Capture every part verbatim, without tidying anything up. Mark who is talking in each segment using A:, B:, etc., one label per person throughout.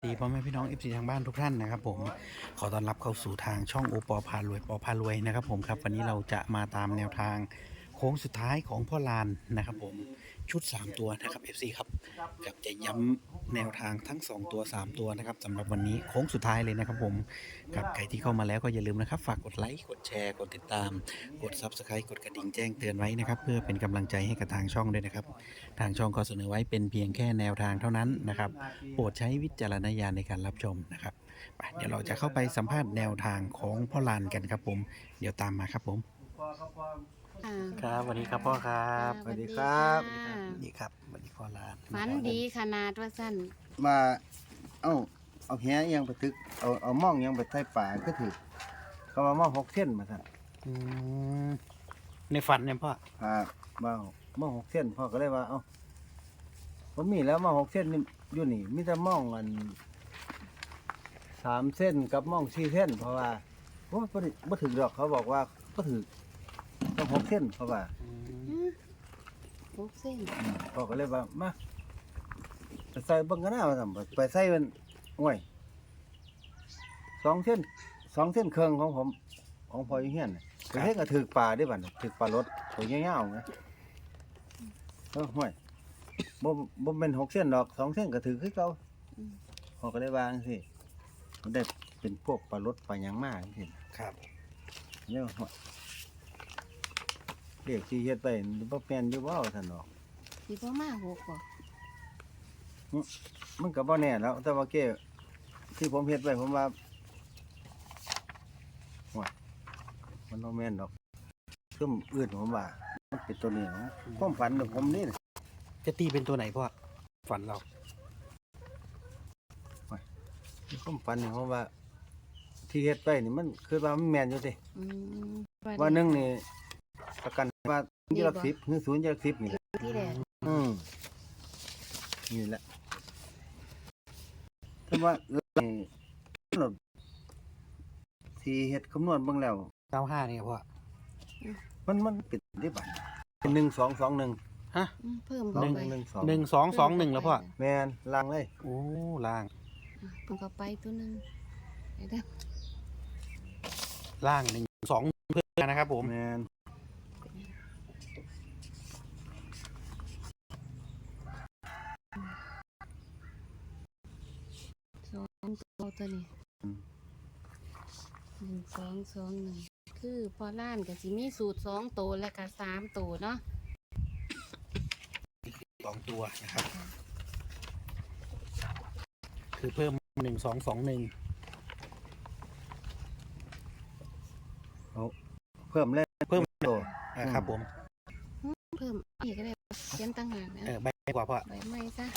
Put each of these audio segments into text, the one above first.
A: ดีพ่อแม่พี่น้องเอฟซีทางบ้านทุกท่านนะครับผมขอต้อนรับเข้าสู่ทางช่องโอปอพารวยปอพารวยนะครับผมครับวันนี้เราจะมาตามแนวทางโค้งสุดท้ายของพ่อลานนะครับผมชุดสามตัวนะครับ เอฟ ซี ครับกับจะย้ำแนวทางทั้งสองตัวสามตัวนะครับสำหรับวันนี้โค้งสุดท้ายเลยนะครับผมกับใครที่เข้ามาแล้วก็อย่าลืมนะครับฝากกดไลค์กดแชร์กดติดตามกด ซับสไครบ์ กดกระดิ่งแจ้งเตือนไว้นะครับเพื่อเป็นกำลังใจให้กับทางช่องด้วยนะครับทางช่องก็เสนอไว้เป็นเพียงแค่แนวทางเท่านั้นนะครับโปรดใช้วิจารณญาณในการรับชมนะครับไปเดี๋ยวเราจะเข้าไปสัมภาษณ์แนวทางของพ่อลานกันครับผมเดี๋ยวตามมาครับผม
B: อ่า
A: ครับสวัสดีครับพ่อครับ
B: สวัสดีครับ
A: สวัสดีครับสวัสดีพ่อลาน
B: ฝันดีขนาดว่าสั้น
C: มาเอ้าเอาแหยังไปตึกเอาเอาม่องยังไปใส่ป่าก็ถือเขามาม่องหกเส้นมาสั่น
A: อืมในฝันเนี่ยพ่อ
C: พามาม่องหกเส้นพ่อก็เลยว่าเอ้าผมมีแล้วม่องหกเส้นนี่อยู่นี่มีแต่ม่องอันสามเส้นกับม่องสี่เส้นเพราะว่าโอ้บ่ได้บ่ถึงดอกเขาบอกว่าบ่ถึงต้องหกเส้นเพราะว่า
B: หกเส้น
C: อืมพ่อก็เลยว่ามาไปใส่เบิ่งกันหน้าว่าซั่นไปใส่มันโอ้ยสองเส้นสองเส้นครึ่งของผมของพ่ออยู่เฮียนน่ะ ไปเฮ็ดก็ถือปลาได้บัดนี้ถือปลารสตัวยาวๆนะเออห่วยบ่บ่แม่นหกเส้นดอกสองเส้นก็ถือคือเก่าเขาก็ได้วาจังซี่มันได้เป็นพวกปลารสปลาหยังมาจังซี่
A: ครับ
C: เนี่ยห่วยเรียกสิเฮ็ดไปบ่แม่นอยู่บ่ท่านดอก
B: สิบ่มาหกบ่
C: มันก็บ่แน่แล้ว แต่ว่าเก้ที่ผมเฮ็ดไว้ผมว่าห่วยมันบ่แม่นดอกซุ่มอื่นผมว่ามันเป็นตัวนี้นะความฝันของผมนี่
A: จะตีเป็นตัวไหนพ่อฝันเรา
C: ผมฝันนี่เพราะว่า ที่เฮ็ดไปนี่มันคือว่ามันแม่นอยู่ติ
B: อืม
C: ว่าหนึงนี่ประกันว่ายี่ลักสิบหรือศูนย์ยี่ลักสิบนี่แหละ
B: ที่แรก
C: อืมนี่แหละแต่ว่านี่ที่เฮ็ดคำนวณเบิ่งแล้ว
A: เก้าห้านี่พ่อ
C: มันมันเป็นได้บัดเป็นหนึ่งสองสองหนึ่ง
A: ฮะ
B: อืมเพิ่ม
C: สอง
B: เข้าไป
C: หนึ่งสอง
A: หนึ่งสองสองหนึ่งแล้วพ่อ
C: แม่นล่างเลย
A: โอ้ล่าง
B: เพิ่มเข้าไปตัวหนึงเดี๋ยวเด้อ
A: ล่างหนึ่งสองเพื่อนนะครับผม
C: แม่น
B: สองตัวตัวนี้หนึ่งสองสองหนึ่งคือพอล้านก็สิมีสูตรสองตัวและก็สามตัวเนาะ
A: สองตัวนะครับคือเพิ่มหนึ่งสองสองหนึ่ง
C: เพิ่มเลย
A: เพิ่ม
C: โต
A: นะครับผม
B: เพิ่มอีกก็ได้เขียนตั้งหากนะ
A: เออใบกว่าพ่อ
B: ใบไม้ซะ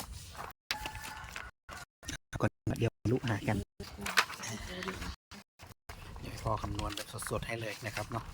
A: ก่อนเดี๋ยวลุหากันเดี๋ยวให้พ่อคำนวณแบบสดๆให้เลยนะครับเนาะ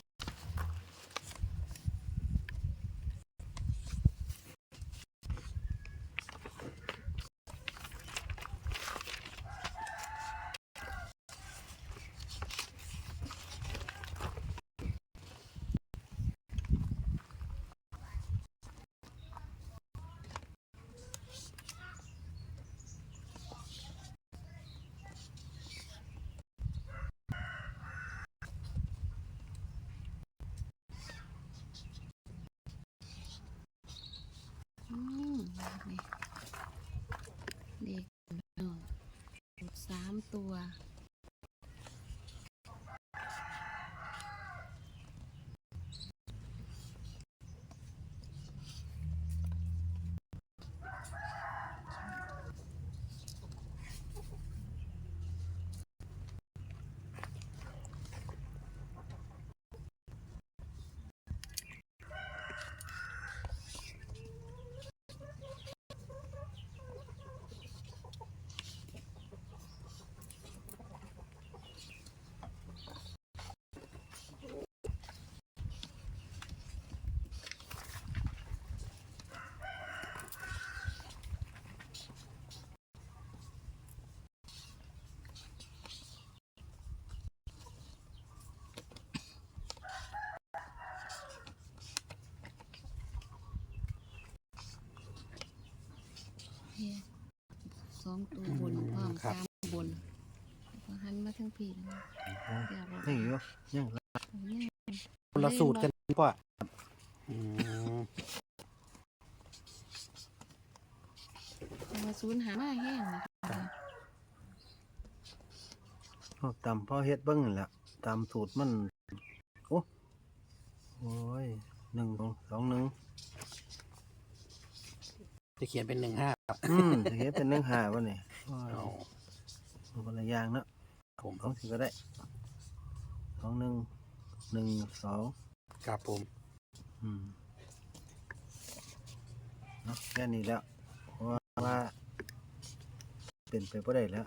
B: อืมนี่เด็กเนาะสูตรสามตัว สองตัวบนพร้อม
A: ครับ
B: สามพี่นะเดี๋ยวเรา
C: นี่อยู่ยัง
A: คนละสูตรกันพ่ออืม
B: มาศูนย์หามาแห้งนะคะ
C: เอาตามพ่อเฮ็ดเบิ่งนั่นแหละตามสูตรมันโอ้โอ้ยหนึ่งสองสองหนึ่ง
A: จะเขียนเป็นหนึ่งห้าครับ
C: อืมจะเฮ็ดเป็นหนึ่งห้าวะนี่
A: เอา
C: เอาคนละอย่างเนาะ
A: ผม
C: สองสิก็ได้สองหนึ่งหนึ่งสอง
A: ครับผม
C: อืมเนาะแค่นี้แล้วเพราะว่าเป็นไปบ่ได้แล้ว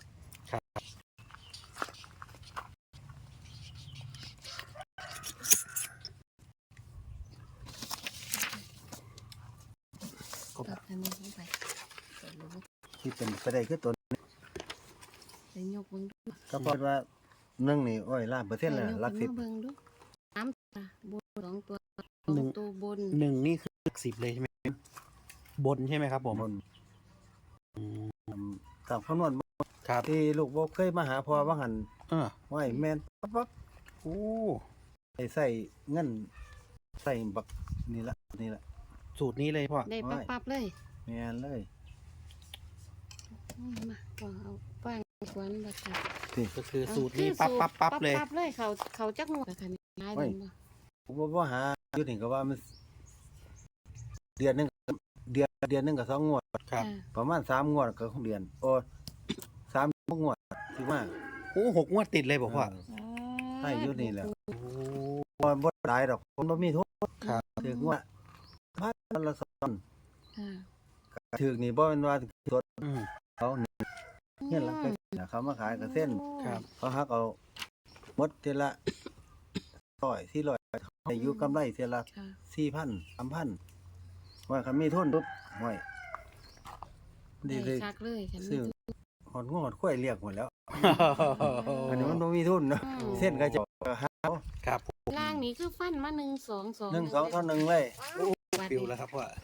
B: ตัดอันนี้ลงไปใส่ลูก
C: ที่เป็นไปได้คือตัว
B: ใส่ยกเบิ่งดู
C: ก็เพราะว่าหนึ่งนี่โอ้ยล้านเปอร์เซ็นต์แล้ว
B: ใส่ยก
C: หลักสิบ
B: มาเบิ่งดูสามตัวบนสองตัวสองตัวบน
A: หนึ่งนี่คือหลักสิบเลยใช่ไหมบนใช่ไหมครับผม
C: บน
A: อืม
C: ตามคำนวณ
A: ครับ
C: ที่ลูกบ่เคยมาหาพ่อว่าหัน
A: เออ
C: ไว้แม่นปั๊บปั๊บ
A: โอ้
C: ใส่ใส่เงินใส่บักนี่ละนี่ละ
A: สูตรนี้เลยพ่อ
B: ได้ปั๊บปั๊บเลย
C: แม่นเลย
B: อืมมาก็เอาฟางควันบัดค่ะ
A: ก็คือสูตรนี้ปั๊บปั๊บปั๊บเลย
B: ปั๊บเลยเขาเขาจักงวดอะค่ะนี่หลายเดือนบ่
C: ผมบ่ว่าหาอยู่นี่ก็ว่ามันเดือนหนึงเดือนเดือนหนึงก็สองงวด
A: ครับ
B: อ่า
C: ประมาณสามงวดก็ของเดือนโอ้สามงวดสิมา
A: โอ้หกงวดติดเลยบอกว่า
C: เออ ให้อยู่นี่แหละ
A: โอ้
C: บ่บ่หลายดอกผมบ่มีทุน
A: ครับ
C: ถึงว่าพันละสอง
B: อ่า
C: ถึงนี่บ่แม่นว่าสด
A: อืม
C: เขาเนี่ยเงินหลังไปนะเขามาขายกับเส้น
A: ครับ
C: เขาหักเอาหมดเทอละร้อยสี่ร้อยให้อยู่กำไรเทอละ
B: ค่ะ
C: สี่พันสามพันว่าคันมีทุนปุ๊บห่วยดีเลย
B: คักเลยค่ะ
C: ซื้อหอดงอดข้วยเรียกหมดแล้ว อันนี้มันบ่มีทุนเนาะเส้นก็จะหาเอา
A: ครับผม
B: ล่างนี้คือฟันมาหนึ่งสองสอง
C: หนึ่งสองเท่าหนึ่งเลย
A: ฟิวแล้วครับว่า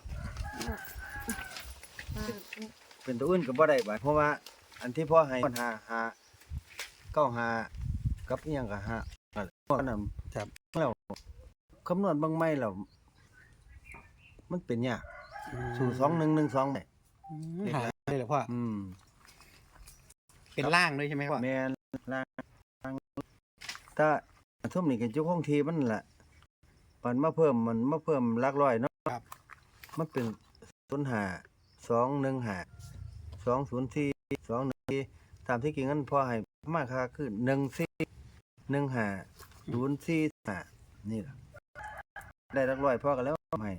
C: เป็นตัวอื่นก็บ่ได้บาดเพราะว่า อันที่พ่อให้ปัญหาหาเก้าหากับอีหยังก็หาอันนั้น
A: ครับ
C: แล้วคำนวณเบางไม่แล้วมันเป็นยากสู่สองหนึ่งหนึ่งสองได้
A: อืมหาเลยเหรอพ่อ
C: อืม
A: เป็นล่างด้วยใช่ไหมพ่อ
C: แม่นล่างถ้าทุ่มนี่กันจุกห้องทีมันแหละมันมาเพิ่มมันมาเพิ่มหลักร้อยเนาะ
A: ครับ
C: มันเป็นศูนย์ห้าสองหนึ่งห้าสองศูนย์สี่สองหนึ่งสี่ตามที่กิ่งนั้นพอให้มาค่าคือหนึ่งสี่หนึ่งห้าศูนย์สี่ห้านี่ล่ะได้หลักร้อยพอกันแล้วให้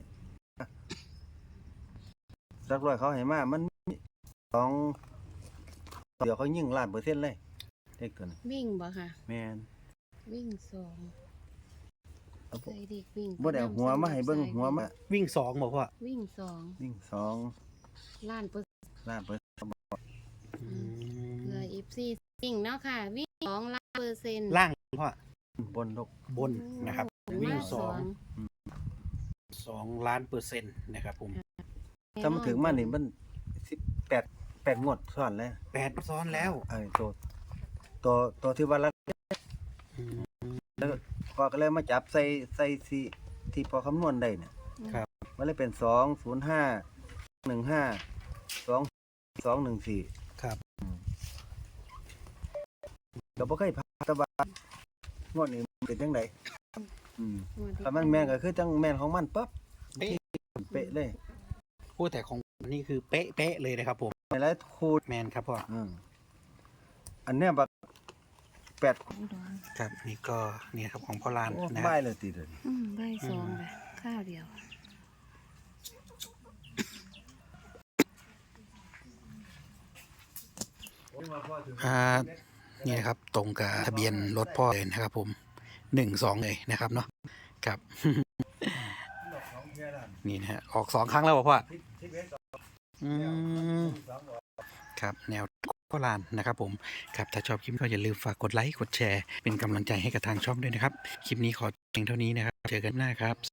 C: หลักร้อยเขาให้มามันมีสองเดี๋ยวเขายิ่งล้านเปอร์เซ็นต์เลยเด็กตัวนี้
B: วิ่งบ่ค่ะ
C: แม่น
B: วิ่งสอง
C: เอาบ่
B: ใส่เด็กวิ่ง
C: บ่ได้เอาหัวมาให้เบิ่งหัวมา
A: วิ่งสองบอกพ่อ
B: วิ่งสอง
C: วิ่งสอง
B: ล้านเปอร์
C: ล้านเปอร์เซ็นต์
A: อื
B: เพื่อ
A: ม
B: เอฟซีวิ่งเนาะค่ะ วิ่งสองล้านเปอร์เซ็นต์
A: ล่างพ่อบ
C: นลูก
A: บนนะครับ วิ่งสองสองล้านเปอร์เซ็นต์นะครับผม
C: ถ้ามันถึงมานี่มันสิบแปดแปดงวดซ้อนแล้ว
A: แปดซ้อนแล้ว
C: ไอ้ตัวตัวตัวที่ว่ารัก
A: อืม
C: แล้วพอก็เลยมาจับใส่ใส่ที่ที่พอคำนวณได้เนี่ย
A: ครับ
C: มันเลยเป็นสองศูนย์ห้าหนึ่งห้าสองสองหนึ่งสี่
A: ครับ
C: ก็บ่เคยพาแตะบางวดนี้มันเป็นจังไดอืมถ้ามันแม่นก็คือจังแม่นของมันปั๊บ
A: เป๊ะ
C: เป๊ะเลย
A: พูดแต่ของนี่คือเป๊ะเป๊ะเลยนะครับผม
C: ในหลายคูณ
A: แมนครับพ่อ
C: อืมอันเนี้ยบักแปด
A: ครับ นี่ก็เนี่ยครับของพ่อลาน
C: โอ้
A: นะค
C: บ่า
A: รับ
C: ยเลยติเดยวนี้
B: อืมใบสองเลยข้าวเดียว
A: อ่านี่นะครับ ตรงกับทะเบียนรถพ่อเลยนะครับผมหนึ่งสองเลยนะครับเนาะครับ นี่นะฮะออกสองครั้งแล้วเหรอพ่ออืมครับแนวพ่อลานนะครับผมครับถ้าชอบคลิปก็อย่าลืมฝากกดไลค์กดแชร์เป็นกำลังใจให้กับทางช่องด้วยนะครับ คลิปนี้ขอเพียงเท่านี้นะครับ เจอกันหน้าครับ